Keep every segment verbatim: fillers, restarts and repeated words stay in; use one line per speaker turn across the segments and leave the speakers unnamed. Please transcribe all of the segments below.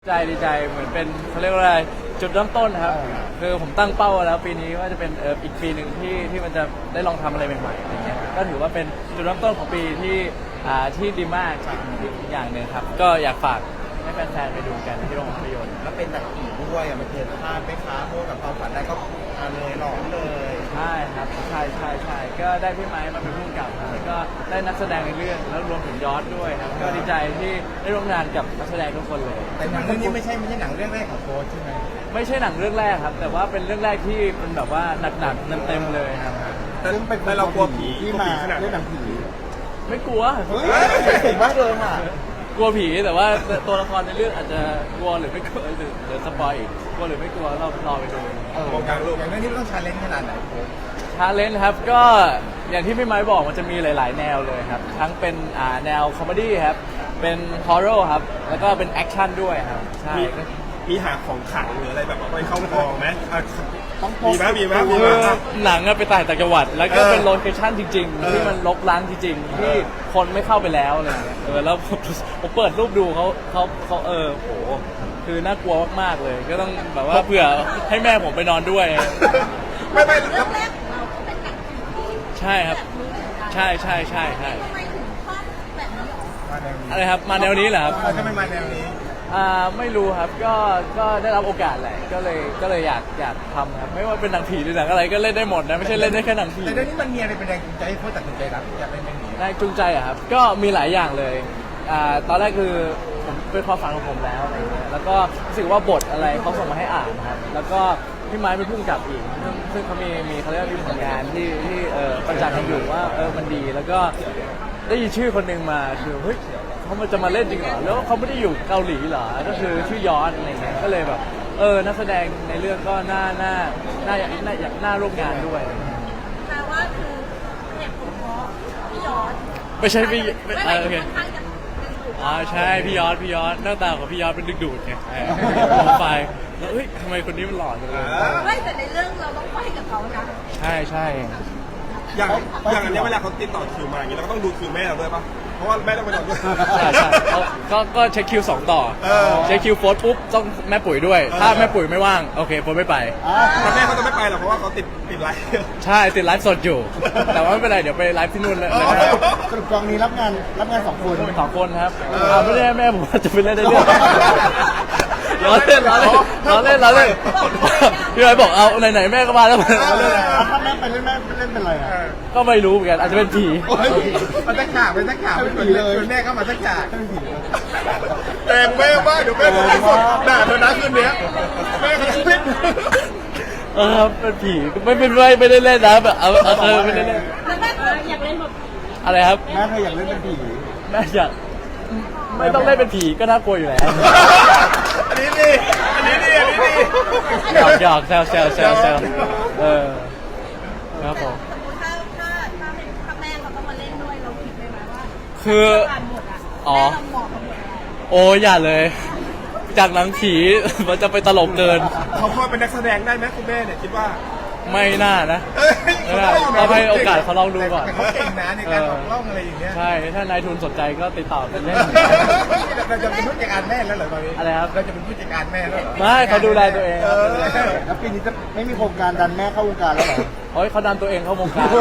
ใจดีใจเหมือนเป็นเขาเรียกว่าอะไรจุดเริ่มต้นครับคือผมตั้งเป้าแล้วปีนี้ว่าจะเป็นเอออีกปีหนึ่งที่ที่มันจะได้ลองทำอะไรใหม่ๆอะไรเงี้ยก็ถือว่าเป็นจุดเริ่มต้นของปีที่อ่าที่ดีมากอีกอย่างหนึ่งครับก็อยากฝากให้แฟนๆไปดูกันที่โรงภาพยนตร์
แล้วเป็นหนังผีด้วยอ่ะมันเกิดพลาดไหมคะพวกกับความฝันได้ก็มาเลยหลอนเลย
ใช่ครับใช่ใช่ใช่ก็ได้พี่ไม้มาเป็นผู้กำกับแล้วก็ได้นักแสดงในเรื่องแล้วรวมถึงยอดด้วยครับก็ดีใจที่ได้ร่วมงานกับนักแสดงทุกคนเลย
แต่หนังเรื่องนี้ไม่ใช่ไม่ใช่หนังเรื่องแรกของโค้ชใช่ไหม
ไม่ใช่หนังเรื่องแรกครับแต่ว่าเป็นเรื่องแรกที่เป็นแบบว่าหนักๆเต็มๆเลยครับ
ซึ่งเป็นเรากลัวผีที่มาเล่นหนังผี
ไม่กลัว
เฮ้ยเก่งมากเลยค่ะ
กลัวผีแต่ว่าตัวละครในเรื่องอาจจะกลัวหรือไม่กลัวหรือหรือสปอยอีกกลัวหรือไม่กลัวเรารอไปดู
วงการลูกอย่างนี้ต้องชาเลนจ์ขนาดไหน
ชาเลนจ์ครับก็อย่างที่พี่ไม้บอกมันจะมีหลาย ๆ แนวเลยครับทั้งเป็นอ่าแนวคอมเมดี้ครับเป็นฮอร์เรอร์ครับแล้วก็เป็นแอคชั่นด้วยครับใช่
มีหาของขังหรืออะไรแบบไปเข้ากองไหม
มีไหมมีไหมมีไหมหนังไปต่างจังหวัดแล้วก็เป็นโลเคชั่นจริงๆที่มันรกร้างจริงๆที่คนไม่เข้าไปแล้วอะไรเงี้ยเออแล้วผมเปิดรูปดูเขาเขาเขาเออโหคือน่ากลัวมากๆเลยก็ต้องแบบว่าเผื่อให้แม่ผมไปนอนด้วย
ไม่ไม่
เรื่องแรกของเราก็เป็นหนังผี
ใช่ครับใช่ใช่ใช่ใช่
ทำไมถึงชอบแบบนี้หรอ
อะไรครับมาแนวนี้เหรอครับ
ทำไมมาแนวนี้
อ่าไม่รู้ครับก็ก็ได้รับโอกาสแหละก็เลยก็เลยอยากอยากทำครับไม่ว่าเป็นหนังผีหรือหนังอะไรก็เล่นได้หมดนะไม่ใช่เล่นได้แค่หนังผี
แต่เรื่องนี้มันมีอะไรเป็นแรงจูงใจให้โค้ชตัดสินใจรับอยากเล่นเรื่องนี้
แรงจูงใจอะครับก็มีหลายอย่างเลยอ่าตอนแรกคือผมเป็นความฝันของผมแล้วอะไรเงี้ยแล้วก็รู้สึกว่าบทอะไรเขาส่งมาให้อ่านนะครับแล้วก็พี่ไม้เป็นผู้กำกับอีกซึ่งซึ่งเขามีมีเขาเรียกว่ามีผลงานที่ที่เออประจักษ์กันอยู่ว่าเออมันดีแล้วก็ได้ยินชื่อคนหนึ่งมาคือเฮ้ยเขามันจะมาเล่นจริงเหรอแล้วเขาไม่ได้อยู่เกาหลีเหรอก็คือชื่อยอดอะไรเงี้ยก็เลยแบบเออนักแสดงในเรื่องก็น่าน่าน่าอยากน่าอยากน่าร่วมงานด้วย
แปลว่าคือเหตุผลเพราะพี่ยอด
ไม่ใช่พี่เออโอเคอ๋อใช่พี่ยอดพี่ยอดหน้าตาของพี่ยอดเป็นดึกดูดไงมองไปแล้วเฮ้ยทำไมคนนี้มันหล่อจังเลย
ไม่แต่ในเรื่องเราต้องไปกับเขานะ
ใช่ใช่
อย่างอย่างอันนี้เวลาเขาติดต่อคิวมาอย่างนี้เราก็ต้องดูคิวแม่เราด้วยป่ะเพราะว่าแม่ต้องไปนอนด้วย
ใช่ใช่ก็ก็เช็คคิวสองต่อเช็คคิวโฟร์ปุ๊บต้องแม่ปุ๋ยด้วยถ้าแม่ปุ๋ยไม่ว่างโอเคโฟร์ไม่ไป
แต่แม่เขาจะไม่ไปหรอกเพราะว่าเขาติดติดไลฟ์
ใช่ติดไลฟ์สดอยู่แต่ว่าไม่เป็นไรเดี๋ยวไปไลฟ์ที่นู่นเลย
สรุปกองนี้รับงานรับงานสองคน
สองคนครับไม่ได้แม่ผมจะไปเล่นได้เรื่องล้อเล่นล้อเล่นล้อเล่นล้อเล่นพี่ไอ้บอกเอาไหนๆแม่ก็มาแล้วมาเล่น
ถ้าแม่ไปเล่นแม่เล่นเป็นไรอ่ะ
ก็ไม่รู้เหมือนกันอาจจะเป็นผี
มันจะขาเป็นจะขาเป็นผีเลยแม่ก็มาจะขา
แต่งแม่ว่าเดี๋ยวแม่จะสดด่าเธอนะคืนนี้แม่ก็จะเล่น
เออเป็นผีไม่เป็นไรไม่ได้เล่นนะแบบเออเออไม่ได้เล่น
แล้วแม่อยากเล่นแบบ
อะไรครับ
แม่เธออยากเล่นเป็นผี
แม่อยากไม่ต้องเล่นเป็นผีก็น่ากลัวอยู่แล้ว
อันนี้ดีอันนี้ดีอันนี้ดี
หยอกหยอกแซวแซวแซวแซวเออครับผม
สมมติถ้าถ้าถ้าเป็นถ้าแม่เขาต้องมาเล่นด้วยเราคิดไหมว่า
คืออ๋อโอ้อย่าเลยจากหนังผีมันจะไปตลกเกิน
เขาพอเป็นนักแสดงได้ไหมคุณแม่เนี่ยคิดว่า
ไม่น่านะเราให้โอกาสเขาลองดูก่อน
เขาเก่งนะในการออกล่องอะไรอย่างเงี้ย
ใช่ถ้านายทุนสนใจก็ติดต่อกันเล่น
เราจะเป็นผู้จัดการแม่แล้วเหรอตอนนี้
อะไรครับ
เราจะเป็นผู้จัดการแม่แล้ว
ไม่เขาดูแลตัวเอง
แล้วปีนี้จะไม่มีโครงการดันแม่เข้าวงการแล้วเหรอ
เฮ้ยเขาดันตัวเองเข้าวงการ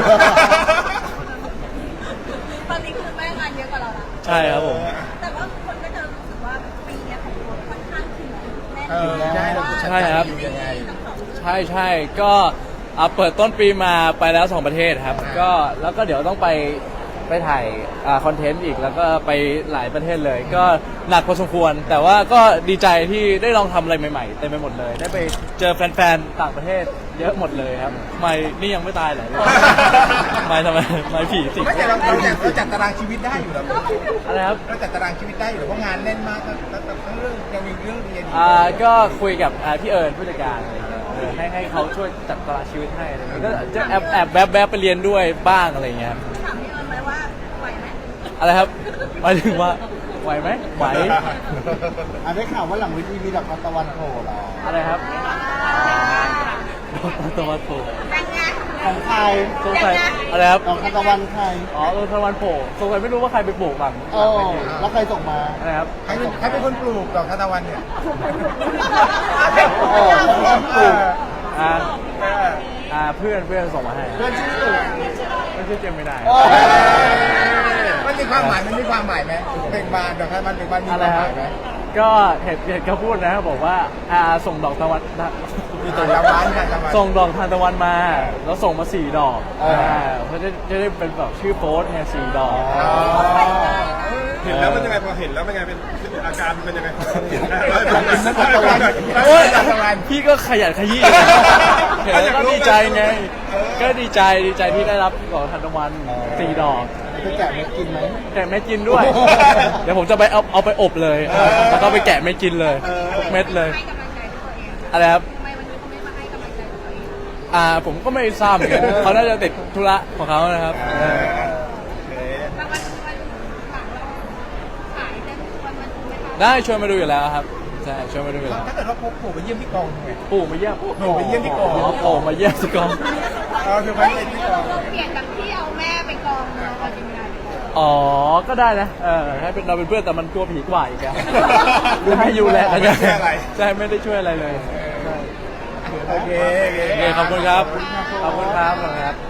ตอนนี้คือแม่งานเยอะกว่าเราละ
ใช่ครับผม
แต่ว่าคนก็จะรู้สึกว่าปีนี้ของคนค่อนข้างถึงแน่น
ใช่ครับใช่ใช่ก็เปิดต้นปีมาไปแล้วสองประเทศครับก็แล้วก็เดี๋ยวต้องไปไปถ่ายคอนเทนต์อีกแล้วก็ไปหลายประเทศเลยก็หนักพอสมควรแต่ว่าก็ดีใจที่ได้ลองทำอะไรใหม่ๆเต็มไปหมดเลยได้ไปเจอแฟนๆต่างประเทศเยอะหมดเลยครับไม่นี่ยังไม่ตายเลยไม่ทำไมไม่ผีสิ
ไม่แต่เราเราจัดเราจัดตารางชีวิตได้อยู่แล้ว
อะไรครับ
เราจัดตารางชีวิตได้อยู่เพราะงานแน่นมากแล้วทั้งเรื่องยังมีเรื่องเรียน
อ่าก็คุยกับพี่เอิญผู้จัดการให้ให้เขาช่วยจัดตารางชีวิตให้อะไรเงี้ยก็จะแอบแอบแวบแวบไปเรียนด้วยบ้างอะไรเงี้ย
ถามพี่เอิญไหมว่าไหวไหม
อะไรครับหมายถึงว่าไหวไหมไหว
อันได้ข่าวว่าหลังวิธีมีดอกตะวันโผล่หรอ
อะไรครับดอกตะวันโผล่
แต่งงาน
ของใคร
สงสัยอะไรครับ
ของคาตะวันใคร
อ๋อเออทวันโผล่สงสัยไม่รู้ว่าใครไปปลูกบ้าง
โอ้แล้วใครส่งมา
อะไรครับ
ใครใครเป็นคนปลูกดอกทานตะวันเนี่ย
โอ้คนปลูก
อ่า
เออ
อ่าเพื่อนเพื่อนส่งมาให้
เพื่อนชื่อ
ไม่ชื่อเจมไม่ได้
โอ้
มันมีความหมายมันมีความหมายไหมเบ่งบานดอกทานตะวันเบ่งบานมีค
อะไร
วาม
ค
ห
รับ
มายไหม
ก็เห็นเห็นเขาพูดนะบอกว่าอ่าส่งดอกตะวันนะ
มีดอกตะวันทานตะวัน
ส่งดอกทานตะวันมา แล้วส่งมาสี่ดอกอ่าเพราะจะจะได้เป็นแบบชื่อโพสต์เนี่ยสี่ดอก
อ๋อ
เห็นแล้วมันยังไงพอเห็นแล้วเป็นไงเป็นอาการเป็นยังไง
โอ๊ยพี่ก็ขยันขยี้นะเห็นแล้วก็ดีใจไง ก็ดีใจดีใจที่ได้รับดอกทานตะวันสี่ดอก
จะแกะเม็ดกินไหม
แกะเม็ดกินด้วย เดี๋ยวผมจะไปเอาเอาไปอบเลย แล้วก็ไปแกะเม็ดกินเลยทุกเม็ดเลย
ให้กำลังใจตัวเอง
อะไรครับ
ทำไมวันนี้เขาไม่มาให้กำลังใจตัวเอง
อ่าผมก็ไม่ทราบเหมือนกันเขาน่าจะติดธุระของเขานะครับเออ
บางวันวันหลังเราขายได้วันวันไหมคะ
ได้ชวนมาดูอยู่แล้วครับใช่ชวนมาดูอยู่แล้ว
ถ้าเกิดว่าพกปู่ไปเยี่ยมที่กองทำไง
ปู่มาเยี่ยม
ปู่ไปเยี่ยมที่กอง
โอ้มาเยี่ยมที่กอง
เออคือไปเยี่ยมที่กอง
เราเปลี่ยนจากที่เอาแม่ไปกองเราเอาจริงไง
อ๋อก็ได้นะเออให้เป็นเราเป็นเพื่อนแต่มันกลัวผีกว่าอีกอะให้อยู่แหละกันใช่ไม่ได้ช่วยอะไรเลย
โอเคโอเค
โอเคขอบคุณครับขอบคุณครับขอบคุณครับ